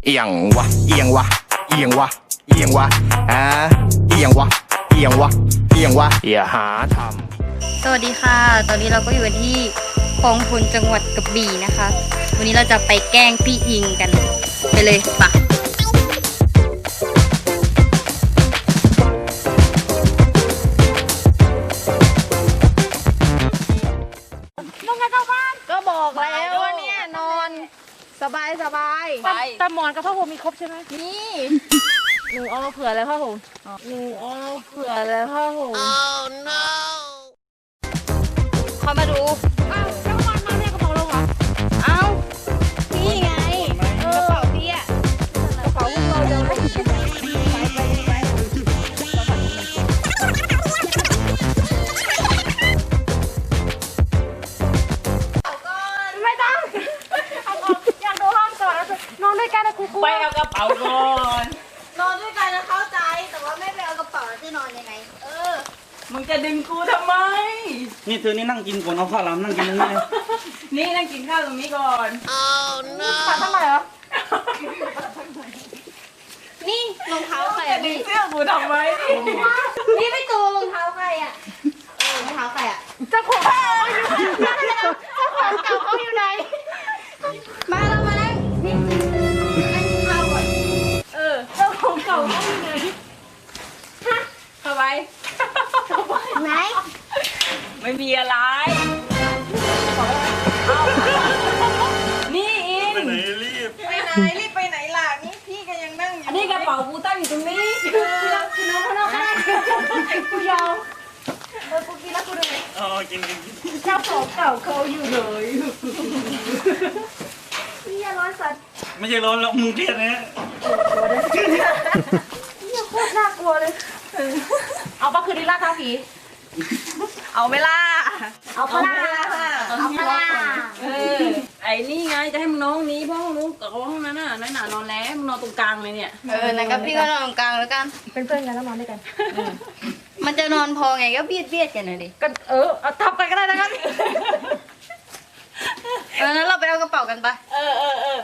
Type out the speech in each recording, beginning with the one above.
อียงวะเอียงวะเอียงวะเอียงวะเอียงวะเอียงวะเอียงวะอย่าหาทำสวัสดีค่ะ ตอนนี้เราก็อยู่กันที่คลองพลจังหวัดกระบี่นะคะ วันนี้เราจะไปแกล้งพี่อิงกัน ไปเลยปะนอนกันเจ้าบ้านก็บอกแล้วว่าเนี่ยนอนสบายแต่หมอนกับผ้าห่มมีครบใช่ไหมนี่หนูเอามาเผื่อแล้วผ้าห่มหนูเอามาเผื่อแล้วผ้าห่มเขามาดูอ้าวเจ้าวันมาเนี่ยกระเป๋าเราเหรอเอ้าพี่ไงกระเป๋าพี่อะกระเป๋าพวกเราเดินไปไม่ต้องเอาออกอยากดูห้องก่อนแล้วนอนด้วยกันนะครูไปเอากระเป๋าก่อนนอนด้วยกันนะเข้าใจแต่ว่าไม่ไปเอากระเป๋าแล้วจะนอนยังไงมึงจะดึงกูทำไมนี่เธอนี่นั่งกินก่อนเอาข้าวหลามนั่งกินตรงนี้เลยนี่นั่งกินข้าวตรงนี้ก่อนขาทำไมเหรอนี่รองเท้าใครจะอะดึพี่งเสื้อกูทำไมนี่ไม่ตูรองเท้าใครอะรองเท้าใครอะเจ้าของอยู่เจ้าของเก่าเขาอยู่ไหนมาเรามานั่งนี่นั่งกินข้าวก่อนเจ้าของเก่าเขาอยู่ไหนเข้าไปไหนไม่มีอะไร นี่อินไปไหนรีบไปไหนรีบไปไหนล่ะนี่พี่ก็ยังนั่งอยู่อันนี้กระเป๋ากูตั้งอยู่ตรงนี้คือน้องข้างนอกก็ได้กูยอมกูกินแล้วกูเหนื่อยอ๋อกินเจ้าของเก่าเขาอยู่ไหนพี่อย่าร้อนสัตว์ไม่ใช่ร้อนแล้วมึงเครียดนะเนี่ยโคตรน่ากลัวเลยเอาปะคืนนี้ล่าท้าผีเอาไหม่ล่ะเอาปลาเอาปลาไอ้นี่ไงจะให้มึงน้องนี้เพราะห้องนู้นกับห้องนั้นน่ะน้อยหนานอนแล้วมึงนอนตรงกลางเลยเนี่ยนั่นก็พี่ก็นอนตรงกลางแล้วกันเป็นเพื่อนกันแล้วนอนด้วยกันมันจะนอนพอไงก็เบียดกันเลยดิก็เอาทับกันก็ได้นะครับงั้นเราไปเอากระเป๋ากันปะเออ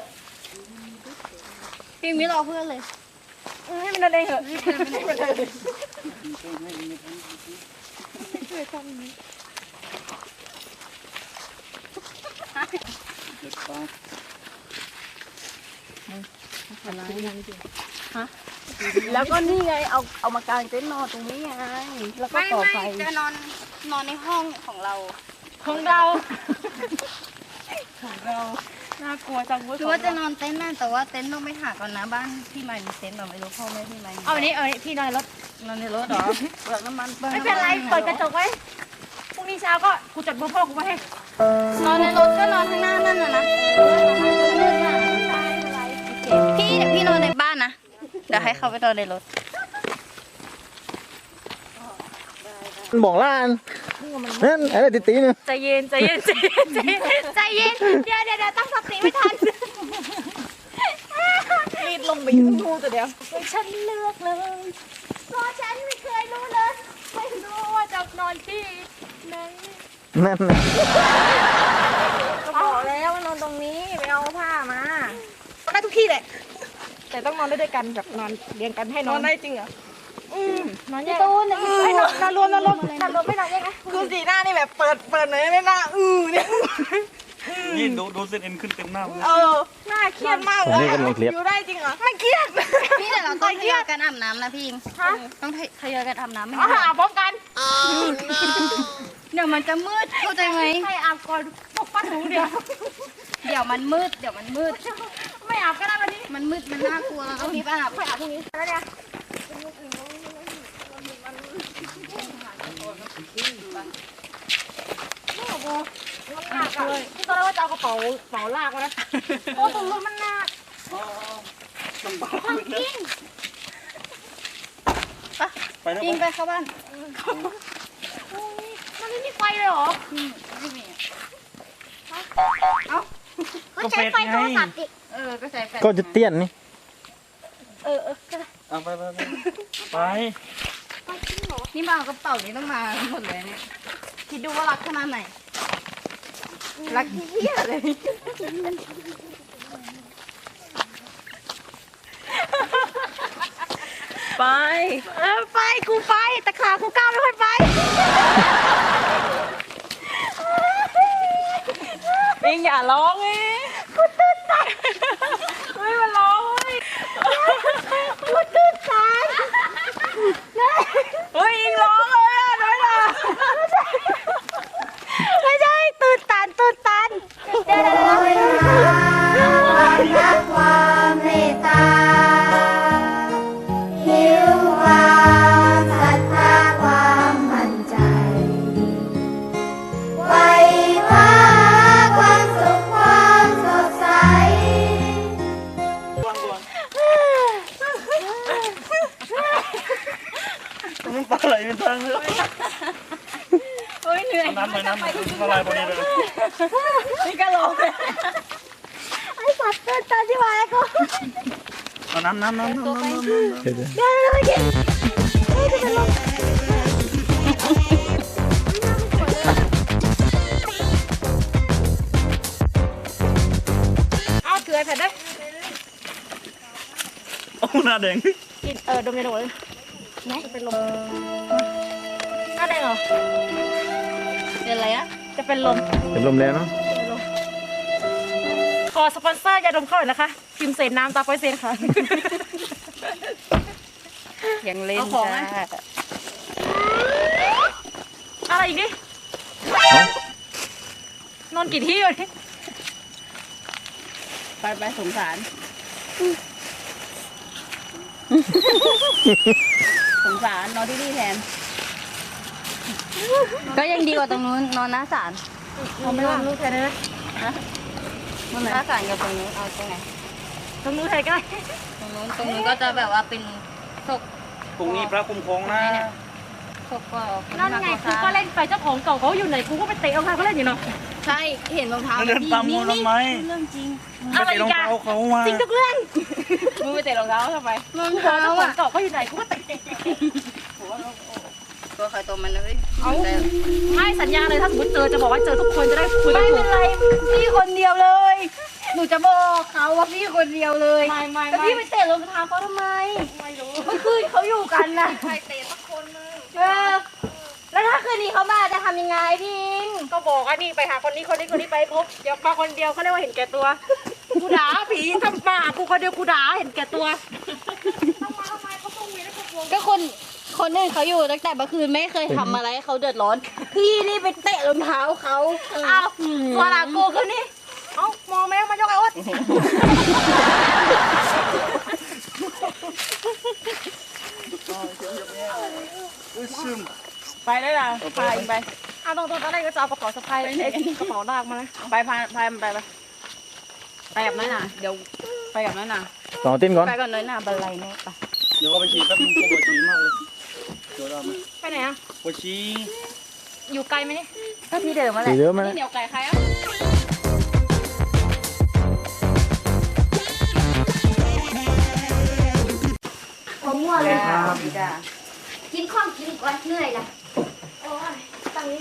พี่ไม่รอเพื่อนเลยให้มันนอนเองเหอะ แล้วก็นี่ไงเอามากางเต็นท์นอนตรงนี้ไงแล้วก็ไม่ต่อไฟจะนอนในห้องของเราของเราน่ากลัวจังเว้ยคือว่าจะนอนเต็นท์นั่นแต่ว่าเต็นท์ต้องไปหาก่อนนะบ้านพี่ใหม่มีเต็นท์แบบไม่รู้พ่อแม่พี่ใหม่มีเอาอันนี้พี่นอนรถนอนในรถเหรอเปลือกน้ำมันไม่เป็นไรเปิดกระจกไว้พรุ่งนี้เช้าก็กูจดเบอร์พ่อกูมาให้นอนในรถก็นอนข้างหน้านั่นน่ะนะพี่เดี๋ยวพี่นอนในบ้านนะเดี๋ยวให้เขาไปนอนในรถบอกล้านนั่นอะไรตีๆเนี่ยใจเย็นเดี๋ยวตั้งสติไม่ทันรีดลงไปยืนดูแต่เดี๋ยวฉันเลือกเลยเพราะฉันไม่เคยรู้เลยไม่รู้ว่าจะนอนที่ไหนนั่นน่ะก็บอกแล้วว่านอนตรงนี้ไปเอาผ้ามาได้ทุกที่แหละแต่ต้องนอนด้วยกันแบบนอนเรียงกันให้นอนได้จริงเหรอ นอนแยกตูนให้นอนรวมไม่นอนแยกนะคือสีหน้านี่แบบเปิดหน่อยได้ไหมหน้าเนี่ยนี่ดูเส้นเอ็นขึ้นเต็มหน้าเลยหน้าเครียดมากอันนี้กำลังเครียดอยู่ได้จริงเหรอไม่เครียดพี่แต่เราต้องทยอยกันอาบน้ำนะพี่อิงต้องทยอยกันอาบน้ำไม่เอาหาพร้อมกันเดี๋ยวมันจะมืดเข้าใจไหมใครอาบก่อนปกป้องหนูเดี๋ยวเดี๋ยวมันมืดไม่อาบก็ได้วันนี้มันมืดมันน่ากลัวเราต้องรีบอาบค่อยอาบพรุ่งนี้แล้วเนี่ยมันหนักเลยที่ตอนแรกว่าจะเอากระเป๋าลากมานะโอ้ตรงรถมันหนักไปแล้วปิงไปเข้าบ้านมันไม่มีไฟเลยเหรอไม่มีก็ใช้ไฟโทรศัพท์ดิก็ใช้แฟลชก็จะเตี้ยนนี่เอาไปนี่มาเอากระเป๋านี้ต้องมาหมดเลยเนี่ยคิดดูว่ารักขนาดไหนรักเหี้ยเลยไปไปกูไปแต่ขากูก้าวไม่ค่อยไปเองอย่าร้องเองกูตื่นใจไม่มาร้องเลยกูตื่นใจเฮ้ยเองร้องเลยอ่ะน้อยนะไม่ใช่ตื่นตันความรักความเมตตาหิวความศรัทธาความมั่นใจไว้ว่าความสุขความสดใสมันปลาไหลเป็นทางเลยเฮ้ยเหนื่อยน้ำไปน้ำละลายพอดีเลยนี่ก็ร้องเลยไอ้สัตว์ตื่นตันที่มาแล้วกูเอาน้ำเดี๋ยวเดี๋ยวไม่กินเอาเกลือเสร็จได้โอ้หน้าแดงกินดมยาดมเลยไหนเป็นลมหน้าแดงเหรอเป็นอะไรอะจะเป็นลมเป็นลมแล้วเนาะขอสปอนเซอร์ยาดมเข้าหน่อยนะคะพิมพ์เศษน้ำตาปอยเซนค่ะยังเล่นเอาของจ้าไหม อะไรอีกดินอนกี่ที่อยู่นี่ไปสงสารสงสารนอนที่นี่แทน ก็ยังดีกว่าตรงนู้นนอนหน้าศาลเอาไม่ว่างลูกแทนเลยนะหน้าศาลกับตรงนู้นเอาตรงไหนตรงนู้นแทนก็ได้ตรงนู้นก็จะแบบว่าเป็นศพตรงนี้พระคุ้มครองนะศพก็นั่นไงกูก็เล่นไปเจ้าของเก่าเขาอยู่ไหนกูก็ไปเตะเอาใครเขาเล่นอยู่เนาะใช่เห็นรองเท้าเดินตามมัวทำไมเรื่องจริงอะไรไปรองกันเท้าเขามาจริงทุกเรื่องมึงไปเตะรองเท้าทำไมรองเจ้าเท้าของอ่ะเก่าเขาอยู่ไหนกูก็เตะตัวใครตัวมันนะเฮ้ยไม่สัญญาเลยถ้าสมมติเจอจะบอกว่าเจอทุกคนจะได้คุยกันไม่ถูเป็กนไรพี่คนเดียวเลย หนูจะบอกเขาว่าพี่คนเดียวเลยแต่พี่ไปเตะรองเท้าเขาทำไมไม่รู้เมื่อคืนเขาอยู่กันนะใครเตะสักคนนึงแล้วถ้าคืนนี้เขามาจะทำยังไงพี่อิงก็บอกว่านี่ไปหาคนนี้ไปพบเดี๋ยวมาคนเดียวเขาเรียกว่าเห็นแก่ตัวกูด่าผีทำมากูคนเดียวกูด่าเห็นแก่ตัวก็คนอื่นเขาอยู่ตั้งแต่เมื่อคืนไม่เคยทำอะไรให้เขาเดือดร้อน พี่นี่ไปเตะรองเท้าเขาอ้าวตัวหลังกูคือนี่เอ้ามองแม่มายกไอ้อดไปได้ละพาเองไปอ้าวตรงๆตอนแรกก็จะเอากระเป๋าสะพายกระเป๋าลากมานะไปพามันไปไปกับน้อยหน่าเดี๋ยวไปกับน้อยหน่าต่อติ้นก่อนไปก่อนน้อยหนาบันไลแน่ปะเดี๋ยวก็ไปฉีดแป๊บนึงปวดฉี่มากเลยเดี๋ยวเราไหมไปไหนอะปวดฉี่อยู่ไกลไหมนี่ก็ที่เดิมมาแหสีละเยอะไหมนี่เหนียวไก่ใครอะผมมั่วเลยจ้ากินข้องกินก่อนเหนื่อยละตั้ง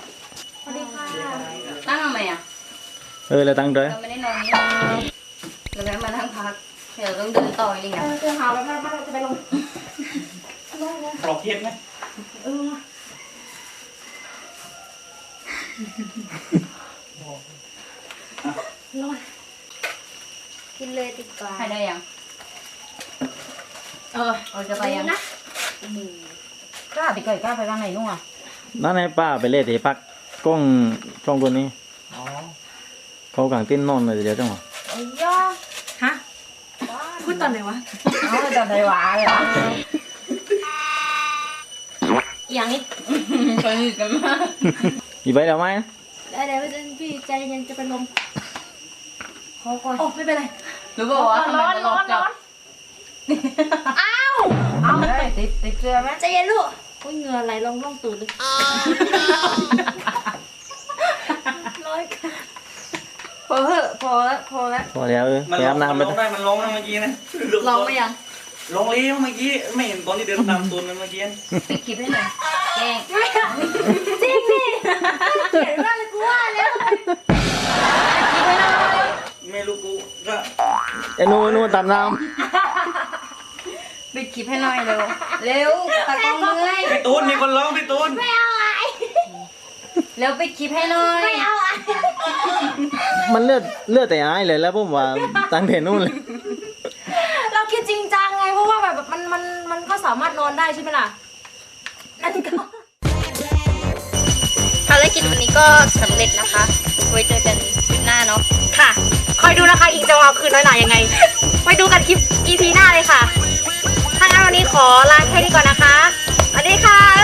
ทำไมอ่ะแล้วตั้งใจเราไม่ได้นอนนี่เราไม่ได้มานั่งพักเดี๋ยวต้องเดินต่ออีกอ่ะเจอหาไปบ้านจะไปลงปลอกเทียนไหมกินเลยดีกว่าให้ได้ยังเราจะไปยังนะกล้าไปเกิดกล้าไปบ้านไหนนู่นอ่ะนั่นให้ป้าไปเล่นที่พักกล้องตัวนี้เขากางติ้นนอนเลยเดี๋ยวจังหวะฮะพูดตอนไหนวะเอาจะไปหวาเลยอ่ะอย่างนี้สนิทกันมากอีไปแล้วไหมได้เดี๋ยวพี่ใจเย็นจะเป็นลมขอก่อนโอ้ไม่เป็นไรรู้ป่าวว่าทำไมร้อนมันร้อออน กจากร้อนติดเสื้อไหมใจเย็นลูกโอ้ยเหงื่อไหลลงร่องตูดเลยพอเหอะพอแล้วพอแล้วพอแล้วไปอาบน้ำไปมันร้องได้มันร้องนะเมื่อกี้นะลองไปยังร้องเลี้ยวเมื่อกี้ไม่เห็นตอนที่เดินตามตูนมันเมื่อกี้ปิดคลิปให้หน่อยแกล้งจริงดิเขียนว่าเลยกูว่าแล้วไม่รู้กูก็ไอ้นู่นตามน้ปิดคลิปให้หน่อยเร็วเร็วตากล้องเมื่อยพี่ตูนมีคนร้องพี่ตูนเร็วปิดคลิปให้หน่อยมันเลือดแต่อ้ายเลยแล้วผมว่าตั้งแต่นู่นเลยเราคิดจริงจังไงเพราะว่าแบบมันก็สามารถนอนได้ใช่ไหมล่ะนั่นก็ภารกิจวันนี้ก็สำเร็จนะคะไว้เจอกันคลิปหน้าเนาะค่ะคอยดูนะคะอิงจะเอาคืนน้อยหน่อยยังไงไปดูกันคลิป EP หน้าเลยค่ะถ้างั้นวันนี้ขอลาแค่นี้ก่อนนะคะสวัสดีค่ะ